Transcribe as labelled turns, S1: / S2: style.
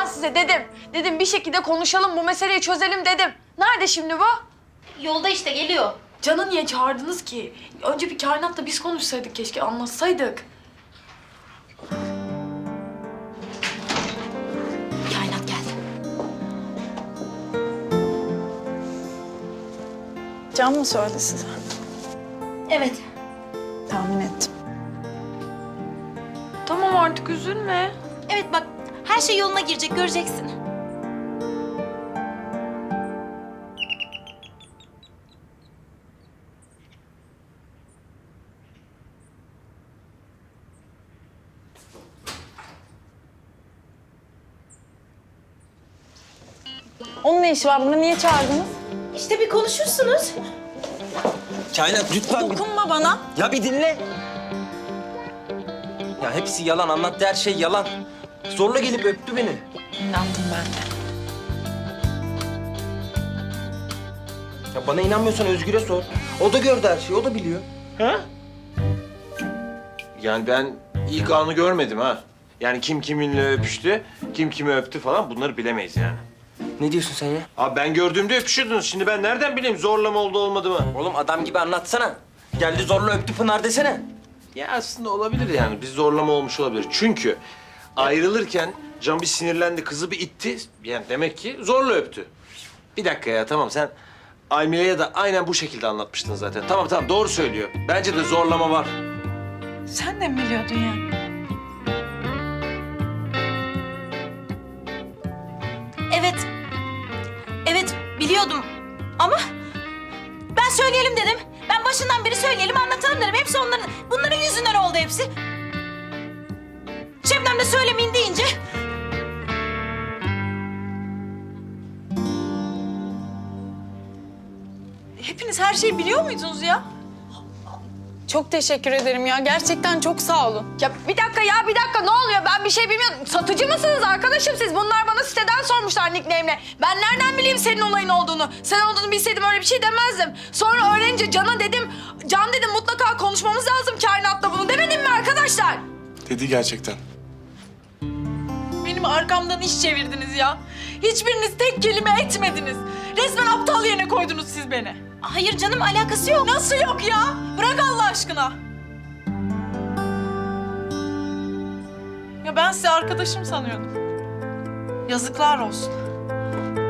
S1: Ben size dedim. Dedim bir şekilde konuşalım, bu meseleyi çözelim dedim. Nerede şimdi bu?
S2: Yolda işte geliyor.
S1: Can'ı niye çağırdınız ki? Önce bir kainatla biz konuşsaydık keşke, anlatsaydık.
S2: Kainat geldi.
S3: Can mı söyledi size?
S2: Evet.
S3: Tahmin ettim.
S1: Tamam artık üzülme.
S2: Evet bak her şey yoluna girecek göreceksin.
S3: Onun ne işi var burada? Niye çağırdınız?
S2: İşte bir konuşursunuz.
S4: Kainat lütfen bir...
S3: Dokunma bana.
S4: Ya bir dinle. Ya hepsi yalan. Anlattığı her şey yalan. Zorla gelip öptü beni.
S3: İnandım ben de.
S4: Ya bana inanmıyorsan Özgür'e sor. O da gördü her şeyi. O da biliyor.
S5: Ha? Yani ben ilk anı görmedim ha. Yani kim kiminle öpüştü, kim kimi öptü falan bunları bilemeyiz yani.
S4: Ne diyorsun sen ya?
S5: Abi ben gördüğümde öpüşürdünüz. Şimdi ben nereden bileyim zorlama oldu olmadı mı?
S4: Oğlum adam gibi anlatsana. Geldi zorla öptü Pınar desene.
S5: Ya aslında olabilir yani. Bir zorlama olmuş olabilir. Çünkü ayrılırken Can bir sinirlendi, kızı bir itti. Yani demek ki zorla öptü. Bir dakika ya tamam sen Almire'ye de aynen bu şekilde anlatmıştın zaten. Tamam tamam doğru söylüyor. Bence de zorlama var.
S3: Sen de mi biliyordun ya?
S2: Evet. Evet biliyordum ama ben söyleyelim dedim. Ben başından beri söyleyelim anlatalım dedim. Hepsi bunların yüzünden oldu hepsi. Şebnem de söylemeyin deyince.
S3: Hepiniz her şeyi biliyor muydunuz ya? Çok teşekkür ederim ya. Gerçekten çok sağ olun.
S1: Ya bir dakika ne oluyor? Ben bir şey bilmiyorum. Satıcı mısınız arkadaşım siz? Bunlar bana siteden sormuşlar nickname'le. Ben nereden bileyim senin olayın olduğunu? Sen olduğunu bilseydim öyle bir şey demezdim. Sonra öğrenince Can'a dedim, Can dedim mutlaka konuşmamız lazım kainatla bunu demedim mi arkadaşlar?
S6: Dedi gerçekten.
S3: Benim arkamdan iş çevirdiniz ya. Hiçbiriniz tek kelime etmediniz. Resmen aptal yerine koydunuz siz beni.
S2: Hayır canım alakası yok.
S3: Nasıl yok ya? Bırak Allah aşkına. Ya ben sizi arkadaşım sanıyordum. Yazıklar olsun.